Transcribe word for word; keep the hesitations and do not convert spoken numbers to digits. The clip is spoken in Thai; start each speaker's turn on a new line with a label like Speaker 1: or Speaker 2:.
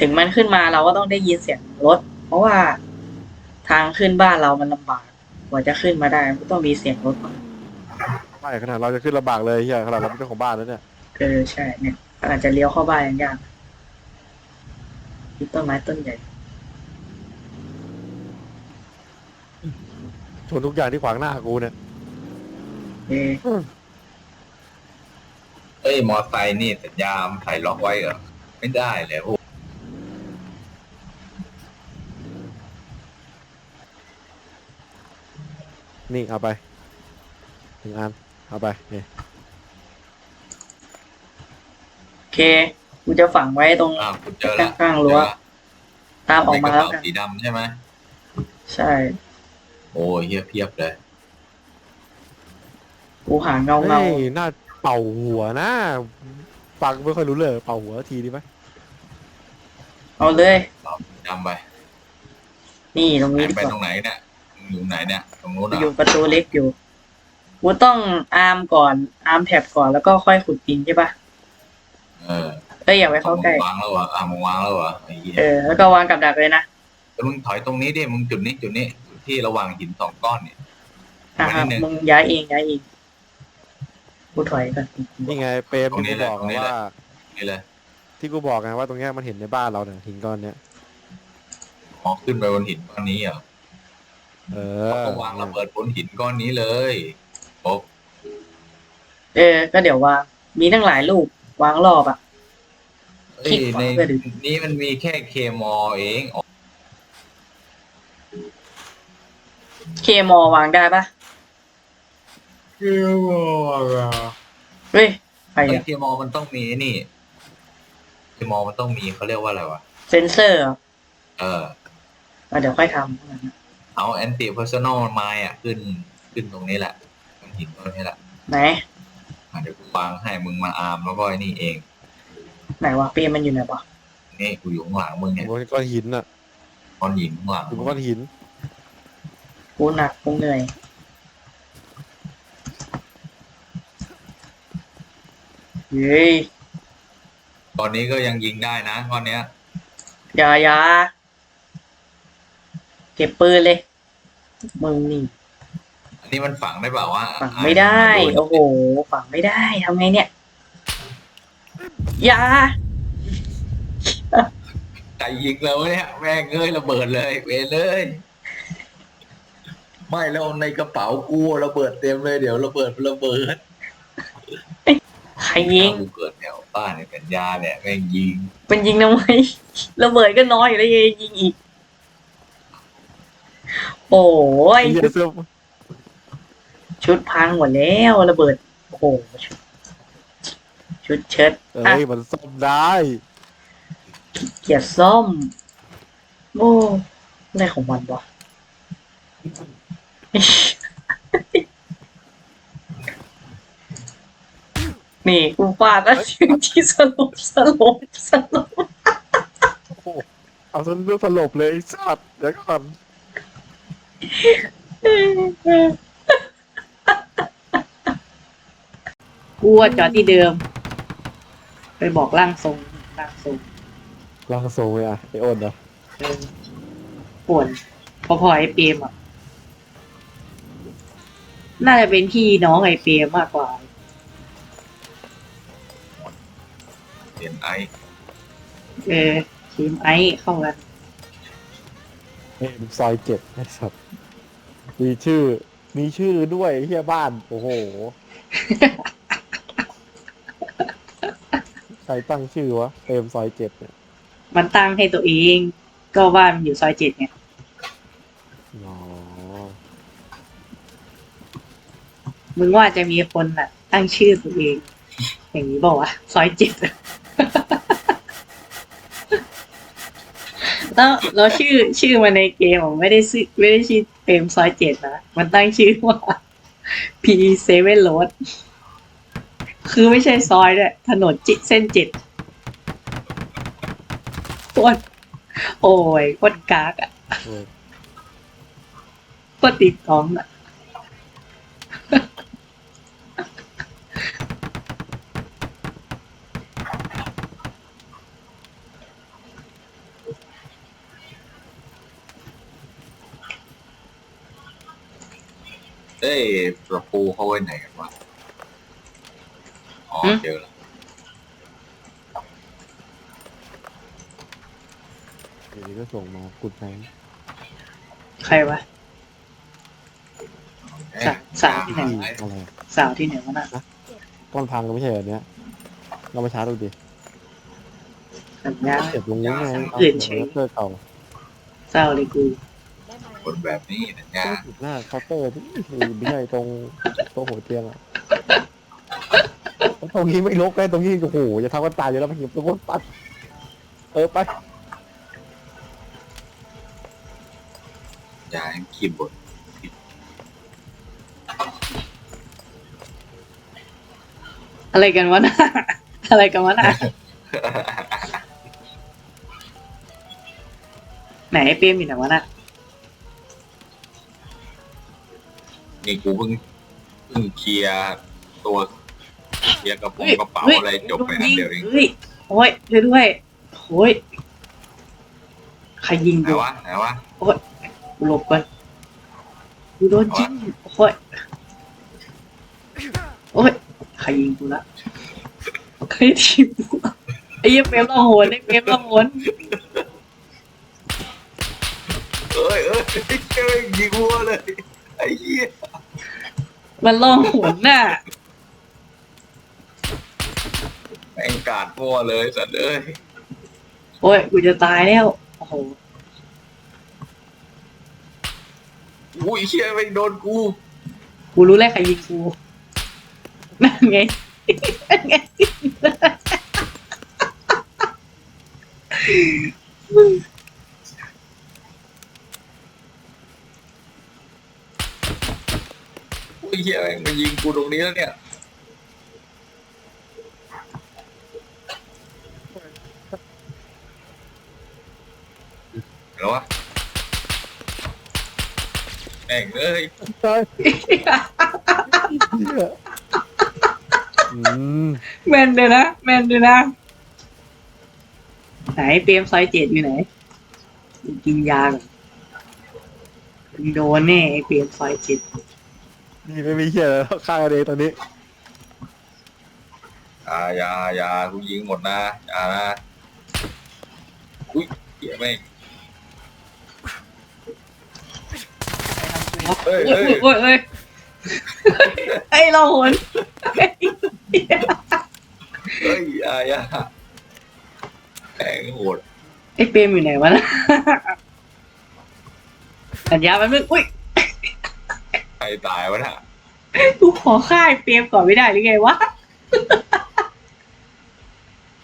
Speaker 1: ถึงมันขึ้นมาเราก็ต้องได้ยินเสียงรถเพราะว่าทางขึ้นบ้านเรามันลำบากกว่าจะขึ้นมาได้ก็ต้องมีเสียงรถมา
Speaker 2: ไม่ขนาดเราจะขึ้นลำบากเลยเฮียขนาดเราเป็นเจ้าของบ้านแล้วเนี่ย
Speaker 1: เออใช่เนี่ยอาจจะเลี้ยวเข้าบ้านยังยากมีต้นไม้ต้นใหญ่
Speaker 2: ชนทุกอย่างที่ขวางหน้ากูเนี่ย
Speaker 1: เออ
Speaker 3: เอ้ยมอไซค์นี่สัญญาณใส่ล็อกไว้เหรอไม่ได้เลยโอ้
Speaker 2: นี่เอาไปหนึ่งอันเอาไปนี่
Speaker 1: โอเคกูจะฝังไว้ตรง
Speaker 3: อ้าวคุณเจอละ
Speaker 1: ข้างๆรั้วตามออกมาแล้ว
Speaker 3: ในกระ
Speaker 1: กั
Speaker 3: เป๋าน สีดำใช่ไหม
Speaker 1: ใช่
Speaker 3: โอ้ยเฮียเพียบเลย
Speaker 1: กูหาเงาเงา
Speaker 2: เฮ้ยน่าเป่าหัวนะฟังไม่ค่อยรู้เลยเป่าหัวทีดีไหม
Speaker 1: เอาเลย
Speaker 3: เราจำไป
Speaker 1: นี่ตรง
Speaker 3: ไหน
Speaker 1: นี้ดี
Speaker 3: ไป
Speaker 1: กว่า
Speaker 3: ตรงไหนเนี่ยอยู่ไหนเนี่ยตรงนู้นเหร
Speaker 1: อยู่
Speaker 3: อ
Speaker 1: ประตูเล็กอยู่กูต้องอาร์มก่อนอาร์มแท็บก่อนแล้วก็ค่อยขุดดินใช่ปะ
Speaker 3: เออ
Speaker 1: เอ้ยอย่าไป
Speaker 3: เอา
Speaker 1: เข้า
Speaker 3: มึ
Speaker 1: ใกล้
Speaker 3: งวางแล้วเหรออ่ะมึงวางแล้วเหรอไอ้เหี้ย
Speaker 1: เออแล้วก็วางกับดักเลยนะ
Speaker 3: แล้วมึงถอยตรงนี้ดิมึงจุดนี้จุดนี้จุดที่ระหว่างหินสองก้อนเนี่ย
Speaker 1: อ่ะ
Speaker 3: วันนี้หนึ่ง
Speaker 1: มึงย้ายเองย้ายเองกูถอยก่อน
Speaker 2: นี่ไงเปรมที่กูบอกไงว่า
Speaker 3: นี่เลย
Speaker 2: ที่กูบอกไงว่าตรงเนี้ยมันเห็นในบ้านเราเนี่ยหินก้อนเนี้ย
Speaker 3: มองขึ้นไปบนหินก้อนนี้เหรอ
Speaker 2: เออ
Speaker 3: ก็วางระเบิดบนหินก้อนนี้เลยโอ้
Speaker 1: เออก็เดี๋ยววางมีตั้งหลายลูกวางรอบอ่ะ
Speaker 3: เอ้ยในนี้มันมีแค่เคมอเองอ๋อ
Speaker 1: เคมอวางได้ปะ
Speaker 3: เคมอเหรอ
Speaker 1: เฮ้ยใคร
Speaker 3: ไอ้
Speaker 1: อะ
Speaker 3: เคมอมันต้องมีนี่เคมอมันต้องมีเขาเรียกว่าอะไรวะ
Speaker 1: เซนเซอร์เหรอ
Speaker 3: เออ
Speaker 1: อ่ะเดี๋ยวค่อยท
Speaker 3: เอาแอนตี้เพอร์ซันอลไมล์อ่ะขึ้นขึ้นตรงนี้แหละบนหินตรงนี้แหละ
Speaker 1: ำไหน
Speaker 3: อ่ะเดี๋ยวกูวางให้มึงมาอาร์มแล้วก็ไอ้นี่เอง
Speaker 1: ไหนวะเปียมันอยู่ไหนวะ
Speaker 3: นี่กูอยู่ข้างหลังมึงเนี่ย
Speaker 2: บนก้อนหินอ่ะ
Speaker 3: ก้อนหินข้างหลัง
Speaker 2: อยู่บนก้อนหิน
Speaker 1: กูหนักกูเหนื่อยเย้ย
Speaker 3: ตอนนี้ก็ยังยิงได้นะก้อนเนี้ย
Speaker 1: อย่าอย่าเก็บปืนเลยมึงนี่
Speaker 3: อันนี้มันฝังได้เปล่าวะ
Speaker 1: ฝังไม่ได้ โอ้โหฝังไม่ได้ทำไงเนี่ยอย่า
Speaker 3: ใจยิงแล้วเนี่ยแม่งเอ้ยระเบิดเลยเวรเลยไม่แล้วในกระเป๋ากูระเบิดเต็มเลยเดี๋ยวระเบิดระเบิด
Speaker 1: ใครยิง
Speaker 3: กูเกิดแถวบ้านในสัญญาเนี่ยแม่งยิง
Speaker 1: เป็นยิงทำไมระเบิดก็น้อยอยู่แล้วยังยิงอีกโอ้ย
Speaker 2: ไอ้เหี้ยเสื้อ
Speaker 1: ชุดพังหมดแล้วระเบิดโอ้โหชุดชุดเชิ้ต
Speaker 2: เอ้
Speaker 1: อ่ะ
Speaker 2: ยมันซ่อมได้
Speaker 1: เกียร์ส้มโอ้อะไรของมันวะ นี่กูฟาดแล้วถึงที่สลบสลบสลบ
Speaker 2: โอ้โหเอาซะเรื่องสลบเลยไอ้สัตว์เดี๋ยวก่อน
Speaker 1: กูว่าจอดที่เดิม ไปบอกร่างทรงร่างทรง
Speaker 2: ลางโซ่เลยอ่ะไอโอนเหรอ
Speaker 1: เออป่วนพอพอไอเปรมอ่ะ น่าจะเป็นพี่น้องไอเปรมมากกว่า
Speaker 3: เห็นไอ้
Speaker 1: เออทีมไอเข้ากัน
Speaker 2: เอ็มซอยเจ็ดไอ้สัตว์มีชื่อ มีชื่อด้วยเฮียบ้าน โอ้โห ใครตั้งชื่อวะเอ็มซอยเจ็ดเนี่ย
Speaker 1: มันตั้งให้ตัวเอง ก็ว่ามันอยู่ซอยเจ็ดไง
Speaker 2: อ๋อ
Speaker 1: มึงว่าจะมีคนอ่ะ ตั้งชื่อตัวเอง อย่างนี้บอกว่าวะซอยเจ็ด แล้วแล้วชื่อชื่อมันในเกมผมไม่ได้ชื่อไม่ได้ชื่อเต็มซอยเจ็ดนะมันตั้งชื่อว่า พี เซเว่น Road คือไม่ใช่ซอยด้วยถนนจิเส้นเจ็ดโคตรโอ้ยโคตรกากอ่ะ
Speaker 2: โอ้ย
Speaker 1: โคตรติดท้องอ่ะ
Speaker 3: อ้ยตะปูเขาไว้ไหนกันวะอ๋อเจอแล้ว
Speaker 2: เดี๋ยวนี้ก็ส่งมากุดแพง
Speaker 1: ใครวะ สาวสาวที่ไหน
Speaker 2: ที่อะไร
Speaker 1: สาวที่ไหนวะน่ะ
Speaker 2: ก้อนพังก็ไม่ใช่แบบเนี้ยเรามาชาร์จดูดิ
Speaker 1: สัญญา
Speaker 2: เก็บลงนี้ไงเอา
Speaker 1: อื่นเฉย
Speaker 2: เคาน์เตอร์เก่า
Speaker 1: เศร้าเลยกู
Speaker 3: คนแบบนี้นะจ๊ะ
Speaker 2: ก็จุดหน้าเคาน์เตอร์ที่ไม่ใช่ตรงตรงหัวเตียงอ่ะแล้วตรงนี้ไม่ลกเลยตรงนี้โอ้โหจะทำกันตายอยู่แล้วมันหิบตรงนู้นปัดเออไป
Speaker 3: ยายขีดบท
Speaker 1: อะไรกันวะน่ะ อะไรกันวะน่ะ ไหนไอ้เปรมอยู่ไหนวะน่ะ
Speaker 3: นี่กูเพิ่งเพิ่งเคลียร์ตัวเคลียร์กระโปรงกระเป๋าอะไรจบไปอันเดียวเอง
Speaker 1: เฮ้ยโอ้ยช่วยด้วยโอ้ยใครยิง
Speaker 3: ไหน
Speaker 1: กู
Speaker 3: วะไหนวะ
Speaker 1: กูหลบก่อนกูโดนยิงโอ้ยโอ้ยใครยิงกูละใครทีมกูไอ้เหี้ยเปรมล่องหนไอ้เปรมล่องหน
Speaker 3: เอ้ยเอ้ยเจ้ยยิงวัวเลยไอ้เหี้ย
Speaker 1: มันล่องหนน่ะ
Speaker 3: แม่งกาดวัวเลยสัตว์เอ้ย
Speaker 1: โอ้ยกูจะตายแล้วโอ้โห
Speaker 3: อุ้ยเชี่ยไม่งโดนกู
Speaker 1: กูรู้แล้วใครยิงกูนั่นไงนั่นไง
Speaker 3: อุ้ยเชี่ยแม่งมายิงกูตรงนี้แล้วเนี่ยเหรอวะแม่งเอ้ย
Speaker 2: ใช่อืม
Speaker 1: แมนเลยนะแมนเลยนะไหนเปรมซอยเจ็ดอยู่ไหนกูกินยาก่อนมึงโดนแน่ไอ้เปรมซอยเจ็ด
Speaker 2: นี่ไม่มีเหี้ยแล้วฆ่ากันเองตอนนี้
Speaker 3: อย่าอย่าอย่ากูยิงหมดนะอย่านะอุ้ยเชี่ยแม่งเฮ้ย
Speaker 1: โอ้
Speaker 3: เฮ้
Speaker 1: ย
Speaker 3: ย
Speaker 1: โอ้ยโอ้ยไอ้เราหน
Speaker 3: เฮ้ยอย่าอย่าแม่งโหด
Speaker 1: ไอ้เปรมอยู่ไหนวะนะสัญญามันมึงอุ้ย
Speaker 3: ใครตายวะน่ะ
Speaker 1: กูขอฆ่าไอ้เปรมก่อนไม่ได้หรือไงวะ